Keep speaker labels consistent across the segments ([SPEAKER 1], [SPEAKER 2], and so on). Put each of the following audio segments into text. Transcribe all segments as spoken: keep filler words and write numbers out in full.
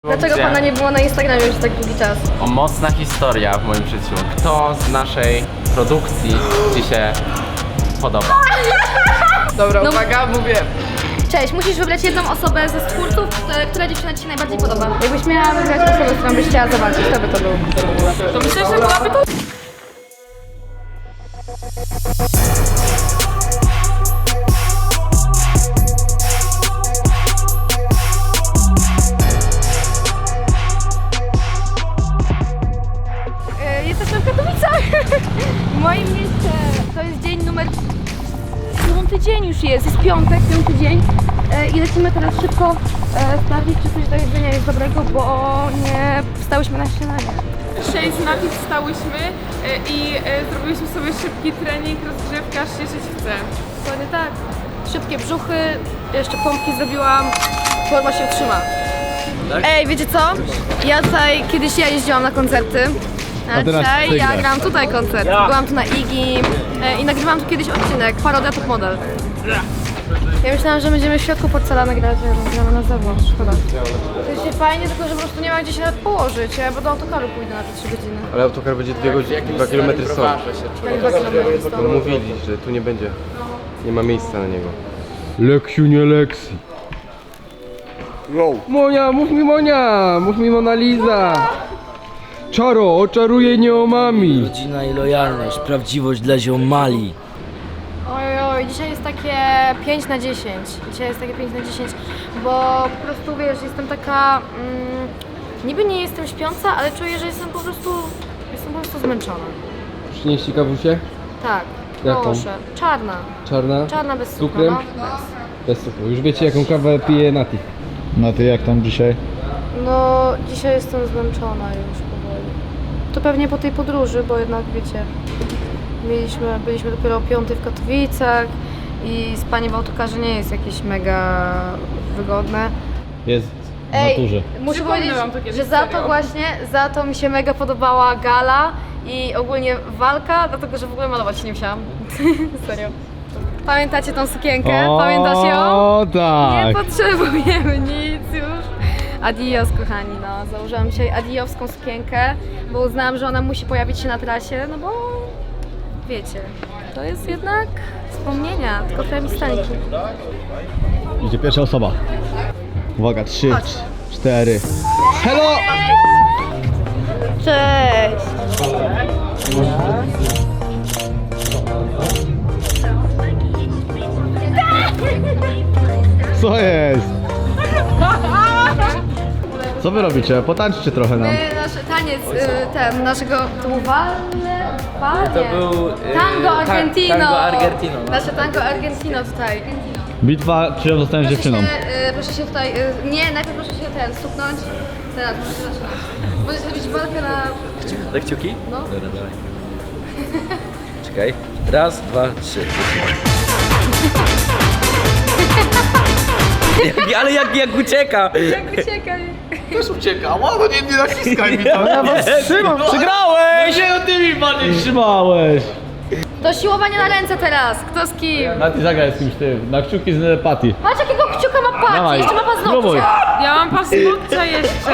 [SPEAKER 1] Dlaczego pana nie było na Instagramie już tak długi czas?
[SPEAKER 2] O, mocna historia w moim życiu. Kto z naszej produkcji ci się podoba?
[SPEAKER 3] Dobra,
[SPEAKER 1] No.
[SPEAKER 3] uwaga, mówię.
[SPEAKER 1] Cześć, musisz wybrać jedną osobę ze twórców, które- która dziewczyna ci się najbardziej podoba. Jakbyś miała wybrać osobę, z którą byś chciała zobaczyć, kto by to był?
[SPEAKER 3] To myślę, że byłaby to...
[SPEAKER 1] E, Jesteśmy w Katowicach! W moim mieście. To jest dzień numer... Piąty dzień już jest, jest piątek, piąty dzień. E, I lecimy teraz szybko e, sprawdzić, czy coś do jedzenia jest dobrego, bo nie wstałyśmy na śniadanie.
[SPEAKER 3] Dzisiaj z Nati wstałyśmy e, i e, zrobiliśmy sobie szybki trening, rozgrzewka, aż się żyć chce.
[SPEAKER 1] Dokładnie tak. Szybkie brzuchy, jeszcze pompki zrobiłam, forma się utrzyma. Ej, wiecie co? Ja tutaj, kiedyś ja jeździłam na koncerty, a
[SPEAKER 4] teraz
[SPEAKER 1] dzisiaj
[SPEAKER 4] ty
[SPEAKER 1] ja
[SPEAKER 4] grasz.
[SPEAKER 1] gram tutaj koncert. Byłam tu na Iggy e, i nagrywałam tu kiedyś odcinek, parodia Top Model. Ja myślałam, że będziemy w środku porcelany grać, a gramy na zewnątrz, szkoda. To się fajnie, tylko że po prostu nie ma gdzie się nawet położyć, ja bo do autokaru pójdę na te trzy godziny.
[SPEAKER 5] Ale autokar będzie dwie godziny, dwa kilometry stąd.
[SPEAKER 1] Tak, dwa kilometry
[SPEAKER 5] No
[SPEAKER 1] stąd.
[SPEAKER 5] mówili, że tu nie będzie, nie ma miejsca na niego.
[SPEAKER 4] Leksiu, nie Leksi. Monia, mów mi Monia, mów mi Mona Lisa. Czaro, oczaruje nieomami.
[SPEAKER 6] Rodzina i lojalność, prawdziwość dla ziomali.
[SPEAKER 1] Oj, oj, dzisiaj jest takie pięć na dziesięć. Dzisiaj jest takie pięć na dziesięć, bo po prostu wiesz, jestem taka. Mm, niby nie jestem śpiąca, ale czuję, że jestem po prostu. Jestem po prostu zmęczona.
[SPEAKER 4] Przynieść ci kawusię?
[SPEAKER 1] Tak,
[SPEAKER 4] Jaką?
[SPEAKER 1] proszę. Czarna.
[SPEAKER 4] Czarna?
[SPEAKER 1] Czarna bez
[SPEAKER 4] Z
[SPEAKER 1] cukru.
[SPEAKER 4] cukrem?
[SPEAKER 1] No.
[SPEAKER 4] Bez cukru. Już wiecie jaką kawę pije Nati. No ty jak tam dzisiaj?
[SPEAKER 1] no, dzisiaj jestem zmęczona już powoli. To pewnie po tej podróży, bo jednak wiecie, mieliśmy, byliśmy dopiero o piątej w Katowicach i spanie w autokarze nie jest jakieś mega wygodne.
[SPEAKER 4] Jest w naturze.
[SPEAKER 1] muszę
[SPEAKER 3] Przypomnę
[SPEAKER 1] powiedzieć,
[SPEAKER 3] wam to kiedyś,
[SPEAKER 1] że za to
[SPEAKER 3] serio.
[SPEAKER 1] właśnie, za to mi się mega podobała gala i ogólnie walka, dlatego że w ogóle malować się nie musiałam. Serio. Pamiętacie tą sukienkę? Pamiętasz ją?
[SPEAKER 4] O
[SPEAKER 1] Nie
[SPEAKER 4] tak.
[SPEAKER 1] potrzebujemy nic już. Adios, kochani, no. Założyłam dzisiaj adiowską sukienkę, bo uznałam, że ona musi pojawić się na trasie, no bo wiecie, to jest jednak wspomnienia, tylko trochę mi stańki.
[SPEAKER 4] Idzie pierwsza osoba. Uwaga, trzy,
[SPEAKER 1] Chodź.
[SPEAKER 4] cztery. Hello!
[SPEAKER 1] Cześć!
[SPEAKER 4] Co jest? Co wy robicie? Potańczcie trochę nam.
[SPEAKER 1] My, nasz taniec, y, ten, naszego, to był Valle, Valle.
[SPEAKER 6] To był, y,
[SPEAKER 1] Tango
[SPEAKER 6] ta-
[SPEAKER 1] Argentino.
[SPEAKER 6] Tango Argentino, no.
[SPEAKER 1] Nasze tango Argentino tutaj.
[SPEAKER 4] Bitwa, czy ją zostaniesz
[SPEAKER 1] Proszę
[SPEAKER 4] dziewczyną?
[SPEAKER 1] się, y, proszę się tutaj, y, nie, najpierw proszę się ten, stuknąć. Teraz proszę się zaczynać. Możesz zrobić walkę na...
[SPEAKER 6] Na kciuki?
[SPEAKER 1] No.
[SPEAKER 6] Dobra, dawaj. Czekaj. Raz, dwa, trzy. jak, ale jak, jak ucieka!
[SPEAKER 1] Uciekaj.
[SPEAKER 4] Trzymam, przegrałeś!
[SPEAKER 6] Nie, no ty mi bardziej
[SPEAKER 4] Trzymałeś!
[SPEAKER 1] Do siłowania na ręce teraz, kto z kim?
[SPEAKER 4] Nati zagraj z kimś tym, na kciuki z Pati.
[SPEAKER 1] Patrz jakiego kciuka ma Pat,
[SPEAKER 4] Dawaj,
[SPEAKER 1] jeszcze ma
[SPEAKER 4] spróbuj.
[SPEAKER 1] paznokcie.
[SPEAKER 3] Ja mam paznokcia jeszcze.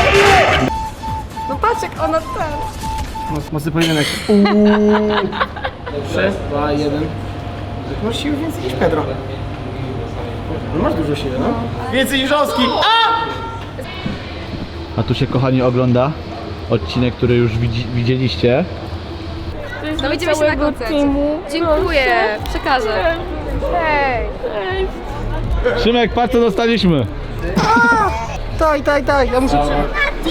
[SPEAKER 1] No patrz jak ona ten.
[SPEAKER 5] Mocny pojedynek. trzy, dwa, jeden. Masz siły więcej niż Pedro. No masz dużo siły, no. Więcej niż Oski!
[SPEAKER 4] A tu się kochani ogląda odcinek, który już widzi, widzieliście.
[SPEAKER 1] No widzimy się na koncercie. Dziękuję, przekażę. Hej.
[SPEAKER 4] Szymek, patrz co dostaliśmy.
[SPEAKER 5] Tak, tak, tak, ja muszę przy...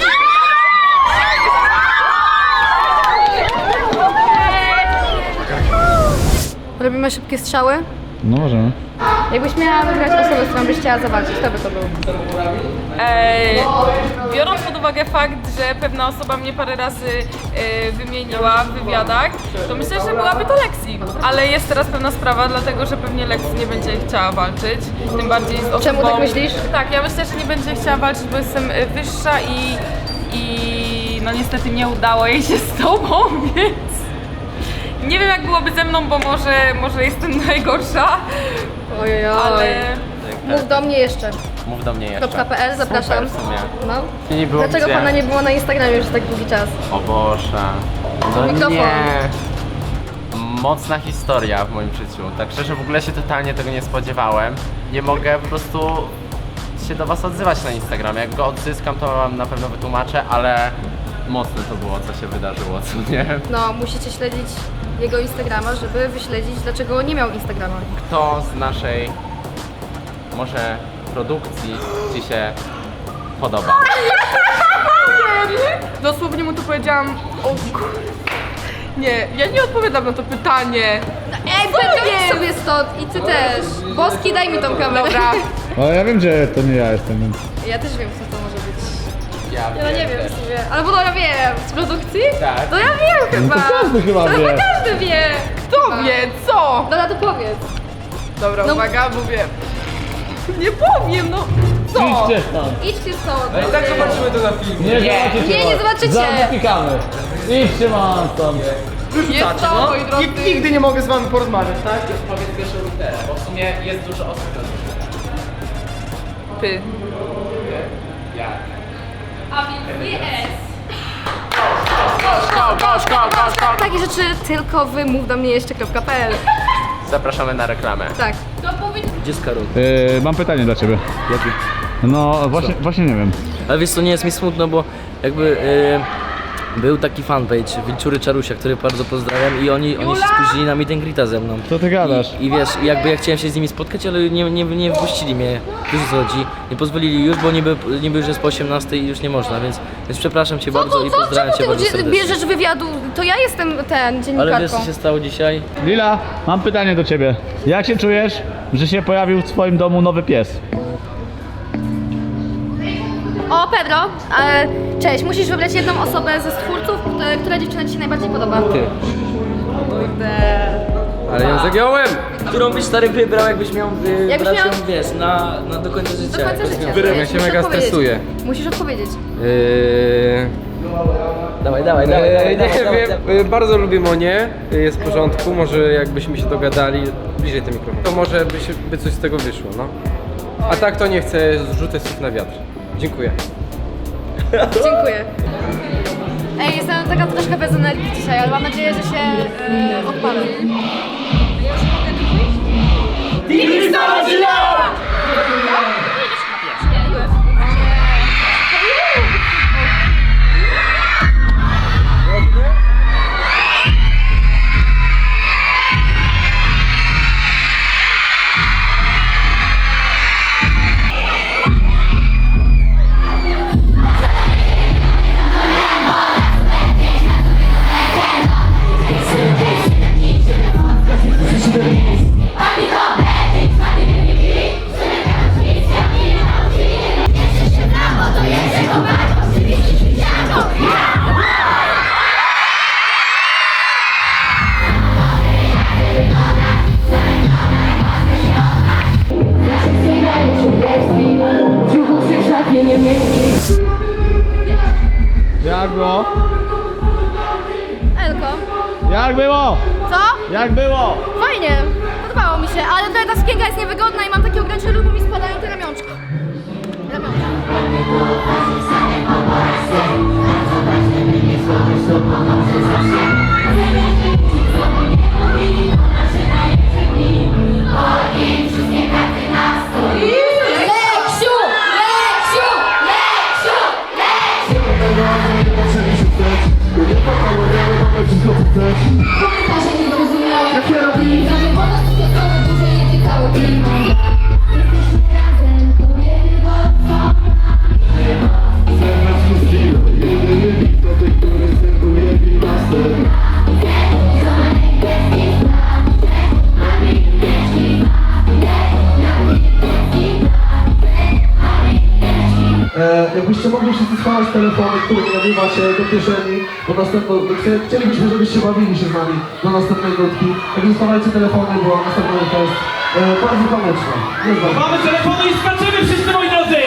[SPEAKER 1] Robimy szybkie strzały.
[SPEAKER 4] No możemy.
[SPEAKER 1] Jakbyś miała wybrać osobę, z którą byś chciała zawalczyć, kto by to był?
[SPEAKER 3] Ej, biorąc pod uwagę fakt, że pewna osoba mnie parę razy e, wymieniła w wywiadach, to myślę, że byłaby to Lexi. Ale jest teraz pewna sprawa, dlatego że pewnie Lexi nie będzie chciała walczyć. Tym bardziej z osobą...
[SPEAKER 1] Czemu tak myślisz?
[SPEAKER 3] Tak, ja myślę, że nie będzie chciała walczyć, bo jestem e, wyższa i, i no niestety nie udało jej się z tobą, więc... Nie wiem jak byłoby ze mną, bo może, może jestem najgorsza,
[SPEAKER 1] Ojej,
[SPEAKER 3] ale...
[SPEAKER 1] Mów do mnie jeszcze.
[SPEAKER 2] Mów do mnie jeszcze.
[SPEAKER 1] .pl, zapraszam.
[SPEAKER 2] Super w sumie.
[SPEAKER 1] No.
[SPEAKER 2] Nie było
[SPEAKER 1] Dlaczego
[SPEAKER 2] gdzie.
[SPEAKER 1] pana nie było na Instagramie już tak długi czas?
[SPEAKER 2] O Boże. No
[SPEAKER 1] Mikrofon.
[SPEAKER 2] nie. Mocna historia w moim życiu. Tak szczerze w ogóle się totalnie tego nie spodziewałem. Nie mogę po prostu się do was odzywać na Instagramie. Jak go odzyskam, to wam na pewno wytłumaczę, ale mocne to było, co się wydarzyło, co nie?
[SPEAKER 1] No, musicie śledzić jego Instagrama, żeby wyśledzić, dlaczego nie miał Instagrama.
[SPEAKER 2] Kto z naszej może produkcji ci się podoba?
[SPEAKER 3] Dosłownie mu to powiedziałam. O kur... Nie, ja nie odpowiadam na to pytanie.
[SPEAKER 1] Ej, Pedro, sobie stąd i ty też. Boski, daj mi tą kamerę.
[SPEAKER 3] Dobra.
[SPEAKER 7] O, ja wiem, że to nie ja jestem, więc...
[SPEAKER 1] Ja też wiem, co to może być.
[SPEAKER 2] Ja,
[SPEAKER 1] Ja no nie wiem
[SPEAKER 2] też.
[SPEAKER 1] w sumie. Albo no ja wiem. Z produkcji?
[SPEAKER 2] Tak.
[SPEAKER 1] No ja wiem chyba.
[SPEAKER 7] to każdy chyba
[SPEAKER 1] to
[SPEAKER 7] wie.
[SPEAKER 1] chyba każdy wie.
[SPEAKER 3] Kto wie, co?
[SPEAKER 1] Dobra, to powiedz.
[SPEAKER 3] Dobra,
[SPEAKER 1] No.
[SPEAKER 3] uwaga, mówię. Nie powiem, no. Co?
[SPEAKER 7] Idźcie stąd!
[SPEAKER 1] Idźcie stąd.
[SPEAKER 4] I tak zobaczymy to na filmie.
[SPEAKER 7] Nie,
[SPEAKER 2] Nie.
[SPEAKER 7] zobaczycie
[SPEAKER 1] Nie, nie
[SPEAKER 7] was.
[SPEAKER 1] zobaczycie.
[SPEAKER 7] Zamykamy! Idźcie man stąd!
[SPEAKER 3] Jest to,
[SPEAKER 5] No,
[SPEAKER 3] moi drodzy.
[SPEAKER 5] i nigdy nie mogę z wami porozmawiać, tak?
[SPEAKER 2] Powiedz pierwszą literę, bo w sumie jest dużo osób na to.
[SPEAKER 3] Py.
[SPEAKER 2] Jak?
[SPEAKER 1] A więc nie S.
[SPEAKER 2] Go, go, go, go, go.
[SPEAKER 1] Takie rzeczy tylko wy mów do mnie jeszcze.pl.
[SPEAKER 2] Zapraszamy na reklamę.
[SPEAKER 1] Tak.
[SPEAKER 6] Gdzie jest Karol?
[SPEAKER 7] Yy, mam pytanie dla ciebie.
[SPEAKER 6] Jaki?
[SPEAKER 7] No, właśnie, właśnie nie wiem.
[SPEAKER 6] Ale wiesz co, nie jest mi smutno, bo jakby e, był taki fanpage Wilczury Czarusia, który bardzo pozdrawiam i oni, oni się spóźnili na meet and greeta ze mną.
[SPEAKER 7] Co ty gadasz?
[SPEAKER 6] I, I wiesz, jakby ja chciałem się z nimi spotkać, ale nie, nie, nie wpuścili mnie. Wiesz o co chodzi? Nie pozwolili już, bo niby, niby już jest po osiemnastej i już nie można, więc, więc przepraszam cię bardzo i
[SPEAKER 1] Co,
[SPEAKER 6] pozdrawiam cię
[SPEAKER 1] czemu
[SPEAKER 6] bardzo
[SPEAKER 1] ty
[SPEAKER 6] serdecznie.
[SPEAKER 1] bierzesz wywiadu? To ja jestem ten,
[SPEAKER 6] Ale wiesz
[SPEAKER 1] dziennikarką.
[SPEAKER 6] co się stało dzisiaj?
[SPEAKER 7] Lila, mam pytanie do ciebie. Jak się czujesz, że się pojawił w swoim domu nowy pies?
[SPEAKER 1] O, Pedro, e, cześć, musisz wybrać jedną osobę ze stwórców, które- która dziewczyna ci się najbardziej podoba.
[SPEAKER 4] Ty. Ale ją zagiąłem!
[SPEAKER 6] Którą byś stary wybrał, jakbyś miał y,
[SPEAKER 1] Jakbyś
[SPEAKER 6] brać ją,
[SPEAKER 1] miał-
[SPEAKER 6] wiesz, na, na do końca życia.
[SPEAKER 1] Do końca
[SPEAKER 6] Jakbyś
[SPEAKER 1] życia.
[SPEAKER 6] miał-
[SPEAKER 1] Wiesz,
[SPEAKER 4] Ja się
[SPEAKER 1] musisz
[SPEAKER 4] mega
[SPEAKER 1] odpowiedzieć.
[SPEAKER 4] stresuję.
[SPEAKER 1] Musisz odpowiedzieć.
[SPEAKER 4] Yy...
[SPEAKER 6] Dawaj, dawaj, dawaj, dawaj,
[SPEAKER 4] Eee,
[SPEAKER 6] dawaj,
[SPEAKER 4] nie
[SPEAKER 6] dawaj,
[SPEAKER 4] wiem,
[SPEAKER 6] dawaj.
[SPEAKER 4] e, bardzo lubię Monię, e, jest w porządku, może jakbyśmy się dogadali, bliżej ten mikrofon, to może by, się, by coś z tego wyszło, no. A tak to nie chcę zrzucać słów na wiatr. Dziękuję.
[SPEAKER 1] Dziękuję. Ej, jestem taka troszkę bez energii dzisiaj, ale mam nadzieję, że się e, odpalę.
[SPEAKER 7] Jak było?
[SPEAKER 1] Elko,
[SPEAKER 7] Jak było?
[SPEAKER 1] co?
[SPEAKER 7] Jak było?
[SPEAKER 1] Fajnie, podobało mi się, ale trochę ta sukienka jest niewygodna i mam takie ograniczenie ruchu, mi spadają te ramionczka. Ramionczka. Leksiu! Leksiu! Leksiu!
[SPEAKER 8] Komentarze nie zrozumiałe, jak ja robię. Prawie ponad piosenkę, duże nie tykały klima. Jesteśmy razem, to nie było co.
[SPEAKER 9] E, jakbyście mogli wszyscy schować telefony, które nie nagrywacie do kieszeni, bo następno, chcie- chcielibyśmy, żebyście bawili się z nami do następnej nutki. Także schowajcie telefony, bo następna nutka jest e, bardzo konieczna. Jest bardzo.
[SPEAKER 10] Mamy telefony i skaczemy wszyscy, moi drodzy!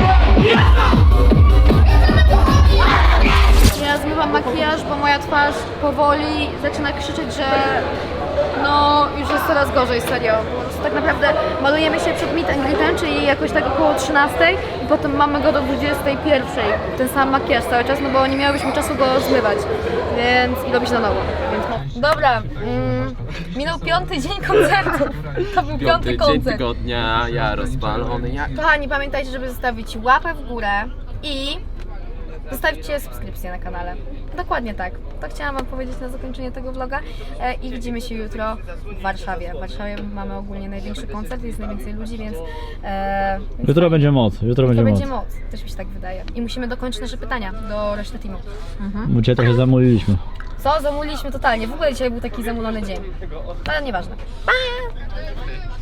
[SPEAKER 1] Ja zmywam makijaż, bo moja twarz powoli zaczyna krzyczeć, że no już jest coraz gorzej, serio. Po prostu tak naprawdę malujemy się przed meet and greetem, czyli jakoś tak około trzynastej i potem mamy go do dwudziestej pierwszej. Ten sam makijaż cały czas, no bo nie miałyśmy czasu go zmywać, więc i robić na nowo. Więc no. Dobra, mm, minął piąty dzień koncertu. To był piąty koncert.
[SPEAKER 2] tygodnia, ja rozpalony, ja...
[SPEAKER 1] Kochani, pamiętajcie, żeby zostawić łapę w górę i zostawcie subskrypcję na kanale. Dokładnie tak. To chciałam wam powiedzieć na zakończenie tego vloga e, i widzimy się jutro w Warszawie. W Warszawie mamy ogólnie największy koncert, jest najwięcej ludzi, więc... E, więc
[SPEAKER 7] Jutro będzie moc, jutro
[SPEAKER 1] to
[SPEAKER 7] będzie moc.
[SPEAKER 1] będzie moc. Też mi się tak wydaje. I musimy dokończyć nasze pytania do reszty teamu. Mhm.
[SPEAKER 7] Bo cię trochę zamówiliśmy.
[SPEAKER 1] Co? Zamuliliśmy totalnie. W ogóle dzisiaj był taki zamulony dzień. Ale nieważne. Pa!